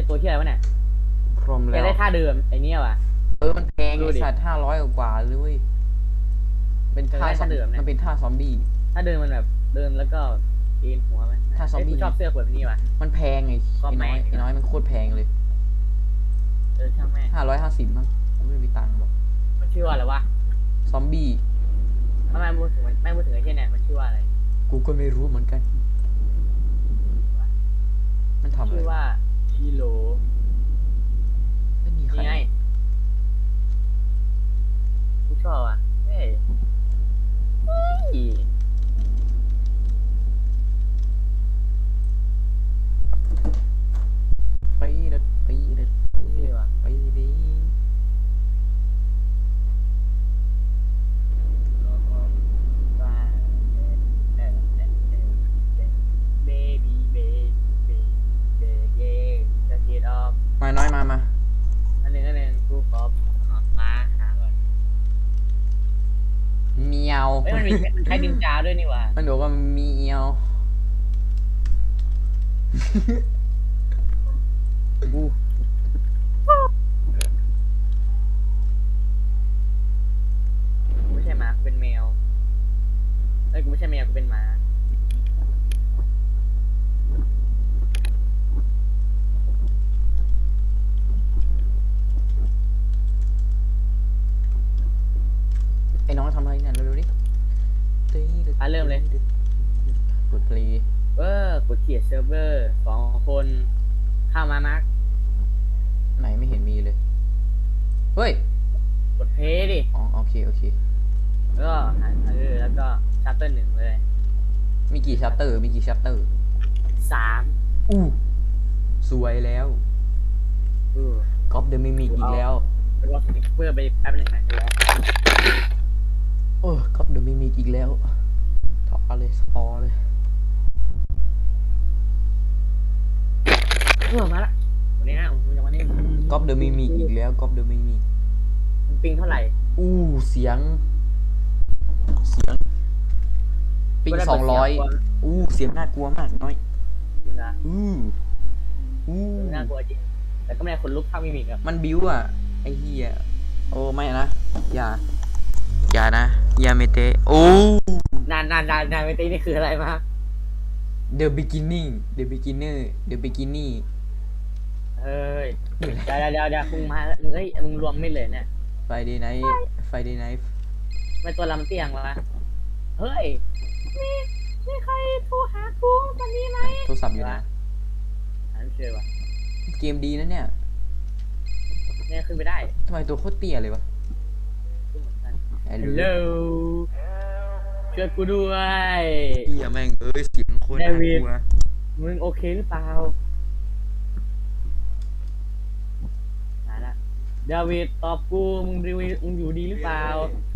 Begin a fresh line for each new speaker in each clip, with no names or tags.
ตัวที่อะไรวะเนี่ย
พรหม
แก
แล้ว
ได้ท่าเดิมไอเนี้ยว่ะ
มันแพงไอสัตว์500 กว่าเลยเว้ยเป็นท่าซอมมันเป็นท่าซอมบี้
ถ้าเดินมันแบบเดินแล้วก็เอ็นหัวมัน
ถ้าซอมบี้
กูชอบเสื้อแบบนี้ว่ะ
มันแพงไอ้น้อยมันโคตรแพงเลย
ช่างแม่ง
550มั้งไม่มีตังค์หรอก
มันชื่อว่าอะไรวะ
ซอมบี้
ทำไมพูดถึงไม่พูดถึงไอ้เที่ยเนี่ยมันชื่อว่าอะไร
กูก็ไม่รู้เหมือนกันมันทำอะไร
ชื่อว่าชิโร่
ไม่มีใคร
นี่ไงกูชอบอ่ะเฮ้ย
ไปเด็ดไปเด็ดไปเด็ดไปดีมาน้อยมา
อันหนึ่งกูขอมาหาก่อน
เมียว
เอ้ยมันมีใช้ดินจาด้วยนี่หว่า
มันบอกว่าเมียว
กูไม่ใช่หมากูเป็นแมวเอ้ยกูไม่ใช่แมวกูเป็นหมา
ไอ้น้องทำอะไรเนี่ยเร็วๆดิ
เริ่มเลย
กดเพลย์
กดเขียนเซิร์ฟเวอร์2 คนเข้ามามาร์ก
ไหนไม่เห็นมีเลยเฮ้ย
กดเพย์ดิ
อ๋อโอเค
แล้วก็แล้วก็ชัปเตอร์ 1เลย
มีกี่ชัปเตอร์
3
สวยแล้วก๊อปเดอะมิมิกอีกแล้ว
แล้วก็เพื่อไปแป๊บหนึ่งนะ
ก๊อปเดอะมิมิกอีกแล้วถอดเลยพอเลย
มาละวันนี้นะวันนี้
ก๊อปเดอะมิมิกอีกแล้วก๊อปเดอะมิมิก
ปิงเท่าไหร่
เสียงปิง200เสียงน่ากลัวมากน้อย
จริงนะน่ากลัวจริงแต่ก็ไม่ได้คนลุกเท่ามิมิกอะ
มันบิ้วอ่ะไอ้เหี้ยโอ้ไม่นะอย่านะอย่าเมเต
นานไม่ตีนี่คืออะไรมา
The beginning The beginner The beginning
เฮ้ยเดี๋ยวมึงมามึงรวมไม่เลยเนี่ย
Friday night
ไม่ตัวลำเตียงวะเฮ้ยมีใครโทรหากูตอนนี้ไหม
โทรศัพท์อยู่นะ
อันเชื่อวะ
เกมดีนะเนี่ย
ขึ้นไปได้
ทำไมตัวโคตรเตี้ยเลยวะ
ฮัลโหลช่วยกูด้วย
เหี้ยแม่งเสียงคนน่ากลัว
มึงโอเคหรือเปล่าเดวิดตอบกูมึงอยู่ดีหรือเปล่า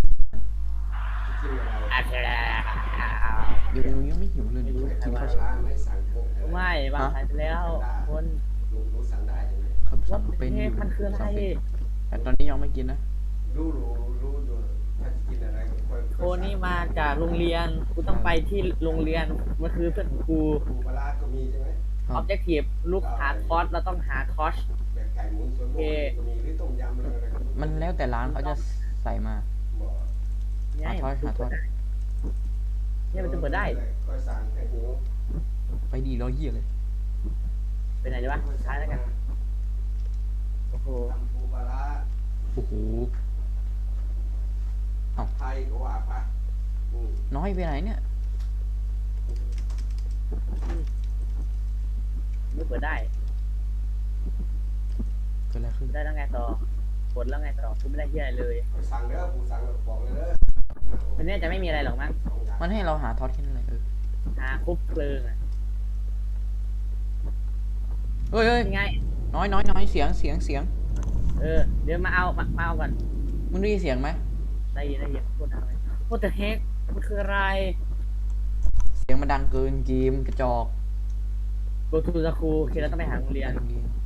ยังไม่หิวเลยกินข้าวเช้า
ไม่บางสายไปแล้วคน
ครับสั่งเป็น
มันคืออะไร
แต่ตอนนี้ยังไม่กินนะ
รู้อยู่ถ้ากินอะไร
โคนี่มาจากโรงเรียนกูต้องไปที่โรงเรียนมันคือเพื่อนของกู
ปลาก็มีใช่ไหม
ออบเจกตีฟลูกหาคอสเราต้องหาคอส
แบบไก่หมุนส่วนก็มีหรือต้มยำอะไร
มันแล้วแต่ร้านเขาจะใส่มาหาทอด
เนี่ยมันจะเปิดได้
ก็สั่งไก่หมู
ไปดีร้อยเหี้ยเลย
ไปไหนดีวะท้ายแล้วกันโอ้โห
ปลาไทยก็ว่าปะ
น้อยไปไหนเนี่ย
ไม่เปิดได้
เกิดอะไรขึ้น
ได้แล้วไงต่อกดแล้วไงต่อกูไม่ได้เหี้ยเลย
สั่งเด้อกูสั่งบอกเลยเด้อ
วันนี้จะไม่มีอะไรหรอกมั้ง
มันให้เราหาทอดแค่นั้นเลย
หาคุบเพลิงอ่ะ
เฮ้ย
ไง
น้อยเสียง
เดี๋ยวมาเอาก่อน
มึงได้ยินเสียงไหม
ได้ยินพูดอะไรพูดแต่เฮกมันคืออะไร
เสียงมันดังเกินเกมกระจอก
go to the school คือเราต้องไปหาโรงเรียน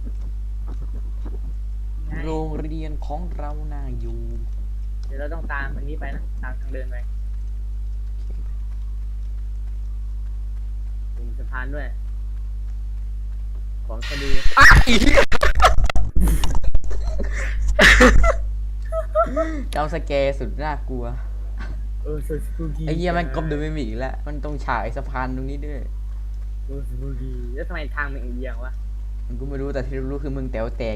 ของเราน่าอยู่
เดี๋ยวเราต้องตามอันนี้ไปนะตามทางเดินไปถึงสะพานด้วยของคดี
จำสแกร์สุดน่ากลัว
สุดสปูกี้
ไอ้เหี้ยมันกบเดินไม่มีอีกแล้วมันตรงฉากไอ้สะพานตรงนี้ด้วย
สปูกี้แล้วทำไมทางมันเอียงวะ
มันกูไม่รู้แต่ที่รู้คือมึงแต๋วแตก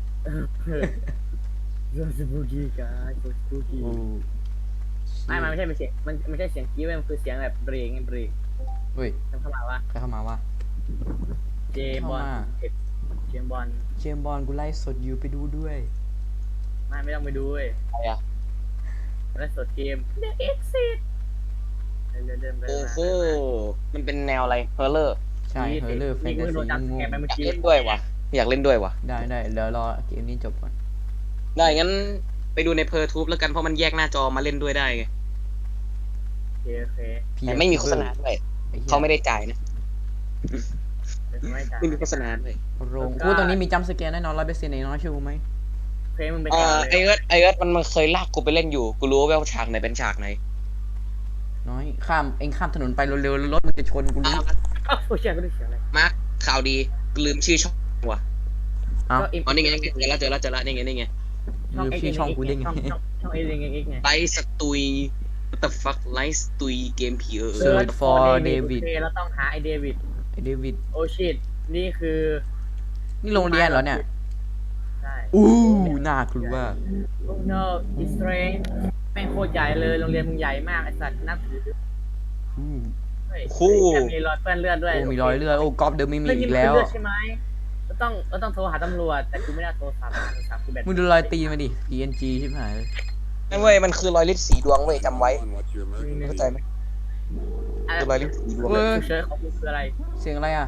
สปูกี้กันสปูกี้
โอ้
ไม่มันไม่ใช่เป็นเสียงมันไม่ใช่เสียงกี้เว้ยมันคือเสียงแบบเบรกไงเบรก
เฮ้ย
ทำเข้ามาวะ
ใครเข้ามาวะ
เจบอล
เข้ามา
เจมบอล
เจมส์บอลกูไล่สดอยู่ไปดูด้วย
ไม่ต้องไปดูเว้ย
อะไรอ่ะ
แล้วสดเกม The Exit เดินไป
โอ้โหมันเป็นแนวอะไรเฮอร์เลอร์
ใช่เฮอร์เลอร์แฟน
นี่
ตา
กูโด
ซี
นจับ
ง
แก
ง
ไปเมื่อ
อยาก
กี้
เล่นด้วยวะอยากเล่นด้วยวะ
ได้เดี๋ยวรอเกมนี้จบก่อน
ได้งั้นไปดูในเพอร์ทูบแล้วกันเพราะมันแยกหน้าจอมาเล่นด้วยได้ไง
โอเค
แต่ไม่มีโฆษณาด้วยเขาไม่ได้จ่ายนะ
เดี๋ยวไม่จ่าย
ไม่มีโฆษณาด้วย
โรงกูตรงนี้มีจัมป์สแกร์แน่นอน100%ไอ้น้อยเชื่อกูไหม
เพลงมึงไป
ไอ
จ่าย
เอิร์ธมันเคยลากกูไปเล่นอยู่กูรู้ว่าฉากไหนเป็นฉากไหน
น้อยข้ามถนนไปเร็วๆรถมันจะชนกูรู้
โอ้ยเสียงก็ได้เสียงอะไร
มาร์คข่าวดีกูลืมชื่อช่องว่ะ
เอ้า
อ๋อนี่ไงเจอแล้วนี่ไง
ลืมชื่อช่องกูได้ไง
ช่องเอลิงเอ็กไง
ไลท์สตุย what the fuck ไลท์สตุยเกมผี
Search for David
โอเคแล้วต้องหาไอเดวิด
ไอ้เดวิด
โอชิตนี่คือ
นี่โรงเรียนเหรอเนี่ย
ใช่
อู้น่ากลัว
โอ้ no it's strange แม่งโคตรใหญ่เลยโรงเรียนมึงใหญ่มากไอสัตว์นับถือ
อู้
เฮ้ยแถมมีรอยเปื้อนเลือดด้วย
โอ้มีรอยเลือดโอ้ก๊อฟเดิมไม่มี
เลือด
อี
นี่
ก
มัน
แล้ว
คือเลือดใช่ไหมเราต้องโทรหาตำรวจแต่กูไม่ได้โทรศัพท์กูแบต
มึงดูรอยตีนมาดิ PNG ชิบหายเลย
นั่นเว้ยมันคือรอยลิตสีดวงเว้ยจำไว้เข้าใจไหม
อะไร
คือรอยลิตสีดวง
เว้ย
เฉยๆของมึงคืออะไร
เสียงอะไรอ่ะ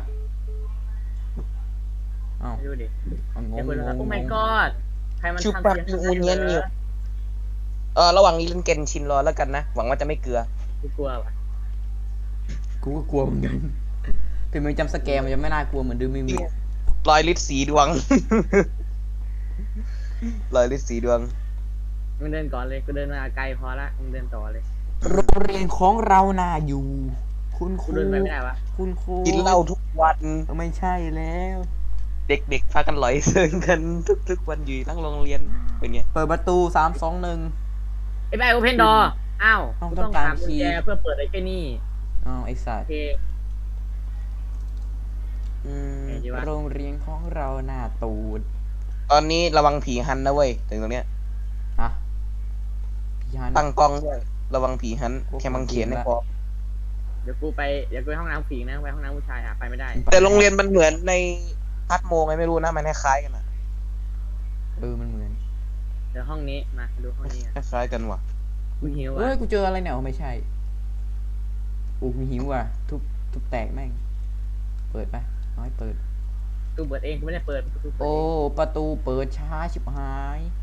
อ้าว
ดูดิ
งง
เดี๋ยว
ง
คนละ
ง
โอ้
ง
my god ใครมัน
ชื่อ
ทำ
ปรัก
เสียง
มูเนียนอยู่ระหว่างนี้เล่นเกนชินรอแล้วกันนะหวังว่าจะไม่เกลือ
กูกลัวว่ะ
กูก็กลัวเหมือนกันถึงมึงจำสแกร์มันจะไม่น่ากลัวเหมือนดูไม่มี
รอยลิตสีดวง รอยลิตสีดวง
มึงเดินก่อนเลยกูเดินมาไกลพอละมึงเดินต่อเลย
โรงเรียนของเราน่าอยู่ คุณค
กู
รู
เดินไปไม่ได้วะ
คุณครู
กินเหล้าทุกวัน
ไม่ใช่แล้ว
เด็กๆพากันหลอยเซิงกันทุกวันอยู่ทั้งโรงเรียนเป็นไง
เปิดประตู3 2 1
ไอ้แบงค์โอเพนดอร์อ้าว
ต้อง
กู
ต้
ต้
อ
อง ง
การ
ถามกุญ
คีย์
แจเพื่อเปิดไอ้แค่นี่
อ้าวไอ้สัต
โอ
ว์
เค ไงดีวะ
โรงเรียนของเราหน้าตูด
ตอนนี้ระวังผีฮันนะเว้ยถึงตรงเนี้ย
อะพี่ฮัน
ตั้งกล้องด้วยระวังผีฮันแค่มังเขียนไม่พอ
เดี๋ยวกูไปห้องน้ำผู้หญิงนะไปห้องน้ำผู้ชายไปไม่ได้
แต่โรงเรียนมันเหมือนในพัดโมงไงไม่รู้นะมันคล้ายๆกันอะ
มันเหมือน
เดี๋ยวห้องนี้มาดูห้องนี้
คล้ายๆกันว่ะ
กูหิว
เฮ้
อ่ะ
ยกูเจออะไรเนี่ยไม่ใช่กูหิวอ่ะทุบแตกแม่งเปิดไปน้อยเปิด
กูเปิดเองกูไม่ได้เปิดกูเปิด
โอ้
เอง
ประตูเปิดช้าชิบหาย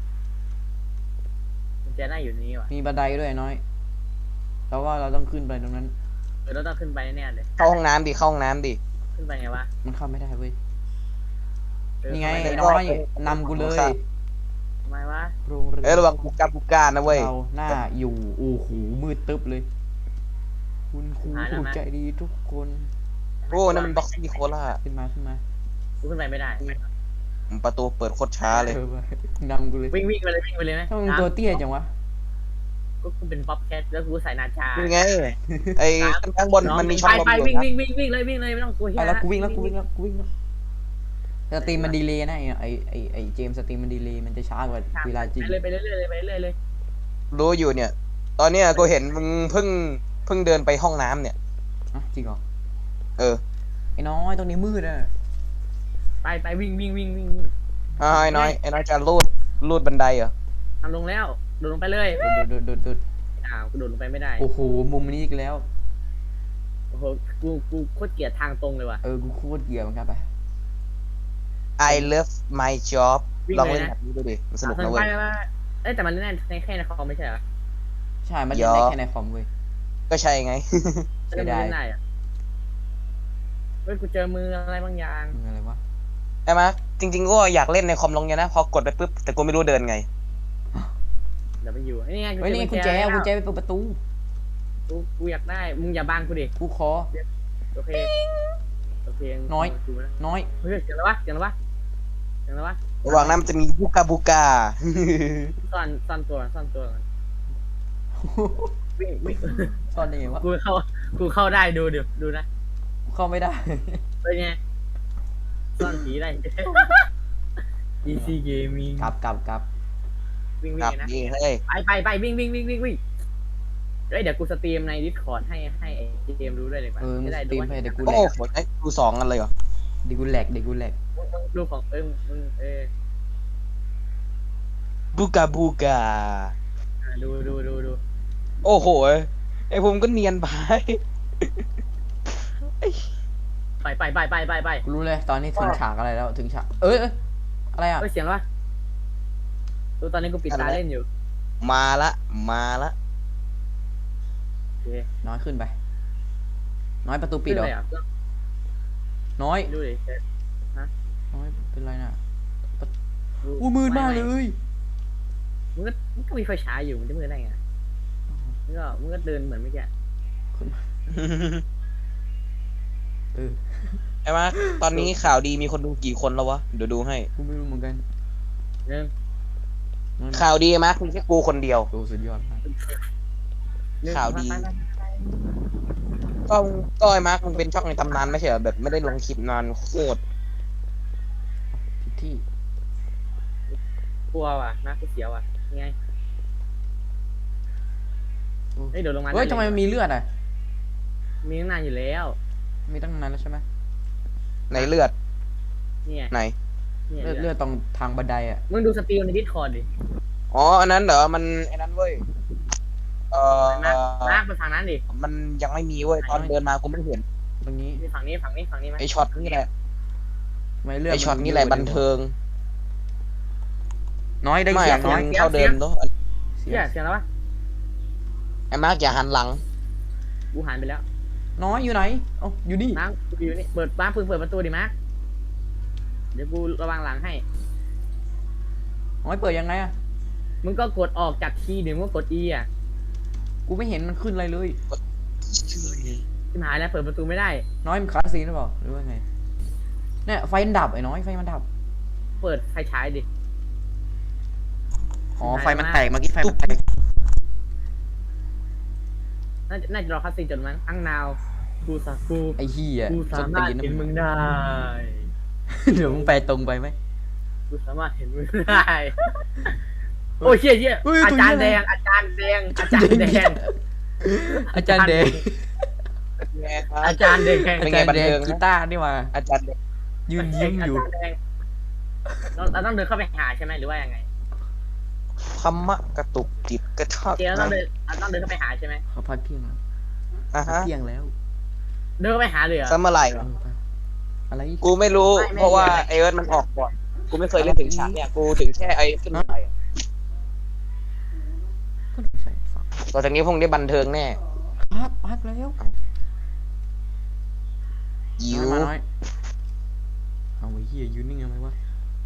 กุญแจน่าอยู่นี่ว่ะ
มีบันไดด้วยน้อยเราว่าเราต้องขึ้นไปตรงนั้น
เราต้องขึ้นไปแน่ๆเลย
เข้าห้องน้ำดิเข้าห้องน้ำดิ
ขึ้นไปไงวะ
มันเข้าไม่ได้เว้ย
เออ
นี่ไง
ทำม
ไอ้
ด้
น้อยนำกูเลย
ทำไมวะ
โรงเรียน
ระวังบุกานะเว้ย
เราหน้าอยู่โอ้โหมืดตึ๊บเลย คุณครูผู้ใจดีทุกคน
โอ้นั่นมันบ็อกซี่โคล่า
ขึ้นมา
กูขึ้นไปไม่ได้
ประตูเปิดโคตรช้าเลย
นำกูเลย
วิ่งไปเลยไหม
ถ้ามึงตัวเตี้ยจังวะ
ก็กูเป็นป๊อปแคทแล้วกูใส่นาชา
นี่ไงไอ้ข้างบนมันมีช่องลม
ไป
อยู่
วิ่ง
นะ
เลยไม่ต้องกลัว
ไปแล้วกูวิ่งแล้วสตรีมมันดีเลย์นะไอเจมส์สตรีมมันดีเลย์มันจะช้ากว่าเวลาจริง
ไปเรื่อยเลย
รู้อยู่เนี่ย ตอนเนี้ยกูเห็นมึงเพิ่งเดินไปห้องน้ำเนี่ย
อ่ะจริงเหรอ
เออ
ไอ้น้อยตรงนี้มืดอ่ะ
ไปวิ่ง
ไอ้น้อยจะลูดบันไดเหรอ
ทำลงแล้วโดดลงไปเลย
โดด
กูโดดลงไปไม่ได้
โอ้โหมุมนี้อีกแล้ว
โอ้โหกูโคตรเกลียดทางตรงเลยว่ะ
กูโคตรเกลียดเหมือนกันไป
I love my job
วิ่ง
ลอง
เลย
เล่น
นะ
แบบนี้ดูดิมันสนุก
ไป
นะเว้ย
ว่าแต่มันเล่นในแค่ในคอมไม่ใช่เหรอ
ใช่มันเล่นได้แค่ในคอมเว้ย
ก็ใช่ไง
เสียดาย
เล่นได้อะเฮ้ยกูเจอมืออะไรบางอย่าง
มึงอะไรวะ
ใช่ไหมจริง ๆ ก็อยากเล่นในคอมลงเนี่ยนะ พอกดไปปุ๊บ แต่กูไม่รู้เดินไง
เดี๋ยวไปอยู่นี่ไง
เฮ้ยนี่กุญแจไปเปิดประตู
กูอยากได้มึงอย่าบังกูดิ
กูขอ
โอเคเพลง
น้อย
ดูนะ
น้อย
เฮ้ยเสียงอะไรวะเสียงอะไรวะเสียงอะไรวะ
ระหว่างนั้นมันจะมีบูกาบูกา
ซ่อนตัวก่อนวิ่ง
ตอนนี้วะ
กูเข้าได้ดูนะ
เข้าไม่ได้
เป็นไงซ่อนผีได้ DC Gaming
กลับ
วิ่ง
ครับ
นะ
นี่เฮ้ย
ไปวิ่งเฮ้ยเดี๋ยวกูสตรีมใน Discord ให้ไอ้เกมรู้ด้วยเลยป่ะ
เออมึง
จะได้
สตรีมให้เดี๋ยวกู
โอ้
แหลก
โหไอ้ดูสองกันเลยเหรอ
เดี๋ยวกูแหลก
ดูของมึง
บูกาบูกา
ดู
โอ้โหไอ้ผมก็เนียนไป
ไป
กูรู้เลยตอนนี้ถึงฉากอะไรแล้วถึงฉากเอ้ยอะไรอ่ะ
เฮ้ยเสียงอะไรวะดูตอนนี้กูปิดตาเล่นอยู่
มาละ
โอเค
น้อยขึ้นไป น้อยประตูปิ
ขึ้
ด
น
เหรอ
เลยอ่ะ
น้อย
ดูดิ
น้อยเป็นไรน่ะ
ดู
อู้มืดมากเลย
มึงก็มีไฟฉายอยู่มันจะมืดได้ไงมึงก็เดินเหมือนเมื่อกี้
เออ
ไอ้มาตอนนี้ข่าวดีมีคนดูกี่คนแล้ววะ เดี๋ยวดูให้
กูไม่รู้เหมือนกัน
หนึ่ง
น้อย
ข่าวดีมามีแค่กูคนเดียว
โอ้สุดยอดมาก
ข่าวดี
ไป
ก็ไอ้มาร์คมันเป็นช่องในตำนานไม่ใช่เหรอแบบไม่ได้ลงคลิปนานโคตร
ผิดที่
กลัวว่ะนะกูเสียวว่ะยังไง
โอ้
เฮ้ยเดี๋ยวลงมา
เฮ้ยทำไมมันมีเลือดอ่ะ
มีตั้งนานอยู่แล้ว
มีตั้งนานแล้วใช่ไหม
ในเลือด
นี่ไง
ไหน
นี่ไง
เลือดตรงทางบันไดอ่ะ
มึงดูสตรีมใน Discord ดิ
อ๋อ อันนั้นเหรอ มันไอ้นั้นเว้ย
มากไปฝั่งนั้นดิ
มันยังไม่มีเว้ย ตอนเดินมากูไม่เห็น
ตรงนี้
นี่ฝั่งนี้ไหม
ไอช็อตนี่แหละ
ทำไมเลือด
ไอช็อตนี่แหละบันเทิง
น้อยได้
ไม่
เสีย
อะ
งน้อย
เท่าเดิมเนาะ
เสีย
เสีย
ง
เสียงแล้ววะ
ไอ้มาร์คอย่าหันหลัง
กูหันไปแล้ว
น้อยอยู่ไหนเอ้าอยู่นี่
มาร์คกูอยู่นี่เปิดมาร์คเปิดประตูดิมาร์คเดี๋ยวกูระวังหลังให้
น้อยเปิดยังไงอ่ะ
มึงก็กดออกจากคีย์หรือมึงก็กด E อ่ะ
กูไม่เห็นมันขึ้นอะไรเลย
ที่หายแล้วเปิดประตูไม่ได้
น้อยมันคลาสซีนหรือเปล่าหรือว่าไงเนี่ยไฟมันดับไอ้น้อยไฟมันดับ
เปิดไฟฉายดิ
อ๋อไฟมันแตกเมื่อกี้ไฟมันแตก
น่าจะรอคัสซีนจนมั้งอังนาวกูสักกู
ไอ้เหี้ย
กูสามารถเห็นมึงได้
เดี๋ยวมึงไปตรงไปไหม
กูสามารถเห็นมึงได้ โอ้ยเชี่ย
เฮ้ย
อาจารย์
ตัว
แด
เหี้ย
งอาจารย์แดงอาจารย์แดง
อาจารย์เดง
อาจารย์แดง
เป็
อาน
ไง
จารย์
บัน
เดง
เทิง
กี
นะ
ตาร์นี่มา
อาจารย์เด็ก
ยืนยิ้มอยู่
าจารแดงเราต้องเดินเข้าไปหาใช่ไหมหรือว่ายังไง
ธรรมะกระตุกจิตกระชาก
เดี๋ยวเราต้องเดินเข้าไปหาใช่ไหม
เขาพักเที่ยงแล้ว
อ่ะ
พัก
ฮะ
เที่ยงแล้ว
เดินเข้าไปหาเลยเหรอ
ซัมเมอร์ไหร่
เออไปอะไร
กูไม่รู้
ไม่
เพราะว่า
ไม่
ไอเอิร์ธมันออกก่อน กูไม่เคยเล่นถึงฉากเนี่ย กูถึงแค่ไอขึ้นไปอะ
ก็ถึงใส่ฟัง
ต่อจากนี้พวกนี้บันเทิงแน่
พักแล้ว
ยิว
มาน้อยเอาไว้เหี้ยยืนนิ่งทำไมวะ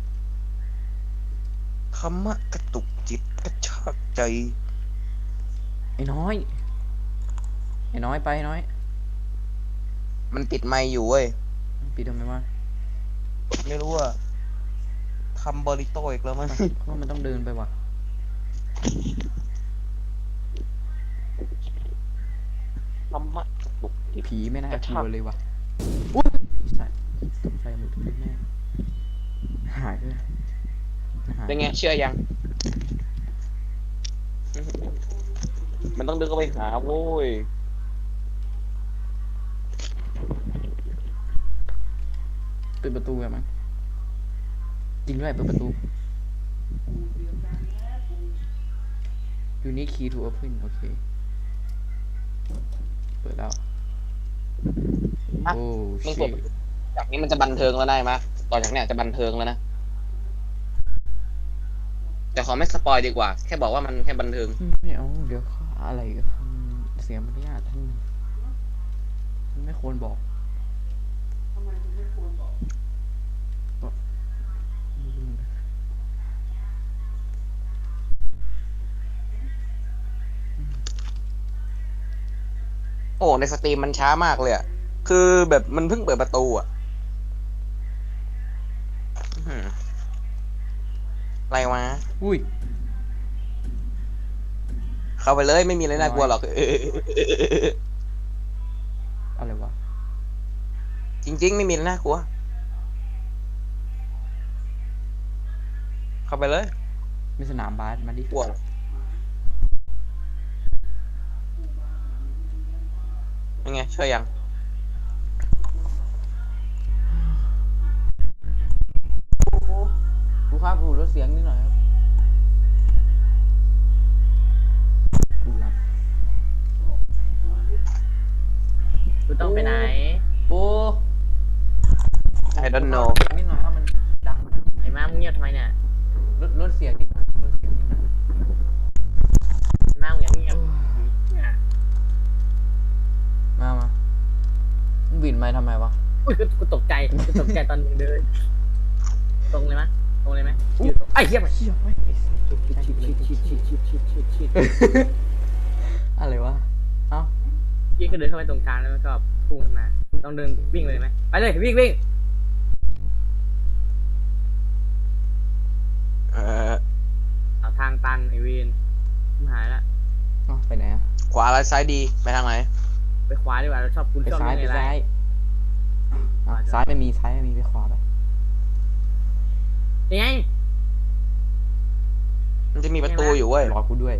ธรรมะกระตุกจิตกระชากใจ
ไอ้น้อยไอ้น้อยไปไอ้น้อย
มันปิดไมค์อยู่เว้ย
ปิดทำไมวะ
ไม่รู้ว่าทำบริโตอีกแล้วมั้ง
เพราะว่ามันต้องเดินไปว่ะ
ธรรมะกระตุกจิต
ผีไม่น่าก
ระ
กลั
ชาก
วเลยว่ะอุ้ยไอ้สัตว์ตกใจหมดทุกแม่หายเลยหาย
เป็นไงเชื่อยัง มันต้องเดินเข้าไปหาโว้ย
ปิดประตูแบบมันจริงด้วยเปิดประตู Unique key to open โอเค เปิดแล้ว
อ่ะ
โอ้
มึง
ชิ
กด จากนี้มันจะบันเทิงแล้วได้ไหมยต่อจากเนี้ยจะบันเทิงแล้วนะ แต่ขอไม่สปอยดีกว่า แค่บอกว่ามันแค่บันเทิง
ไม่เอาเดี๋ยวเขาอะไรเสียมารยาทท่านไม่ควรบอก
โอ้ในสตรีมมันช้ามากเลยอะคือแบบมันเพิ่งเปิดประตูอ่ะอื้อหืออะไรวะ
อุ้ย
เข้าไปเลยไม่มีอะไรน่ากลัวหรอก
อะไรวะ
จริง ๆ ไม่มีอะไรน่ากลัว เข้าไปเลย
มีสนามบาสมาดิ
กลัวยังไงช่วยยัง
ครูครับครูลดเสียงนิดหน่อยครับครูครับ
กูต้องไปไหน
ปู
I don't know
นิดหน่อยว่ามันดัง
ไอ้มามึงเงียบทำไมเนี่ย
ลดเสียงนิดหน่อยลดเสียงนิดหน่อย
ไอ้มามึงอย่าเงียบเนี่ย
มามึงบินมาทำไมวะ
อุ้ยกูตกใจตอนมึงเดินตรงเลยมั้ยตรงเลยไหมยืนตรงไอ้เหี้ยมัน
เชี่ยไม่
ชิด
อะไรวะ เอ้า
พี่ก็เดินเข้าไปตรงกลางแล้วก็พุ่งขึ้นมาต้องเดินวิ่งเลยไหมไปเลยวิ่ง
เอ่อ
เอาทางตันไอเวนหายละ
เอ้าไปไหนอะ
ขวาและซ้ายดีไปทางไหน
ไปขวาดีกว่าเราชอบคุณ
ไป
ชอบ
ซ้าย
เล่น
ไป
อะไร
ซ้ายอ่ะซ้ายไม่มีไปขวาไป
ยังไง
มันจะมีประตูอยู่เว้ย
รอกูด้วย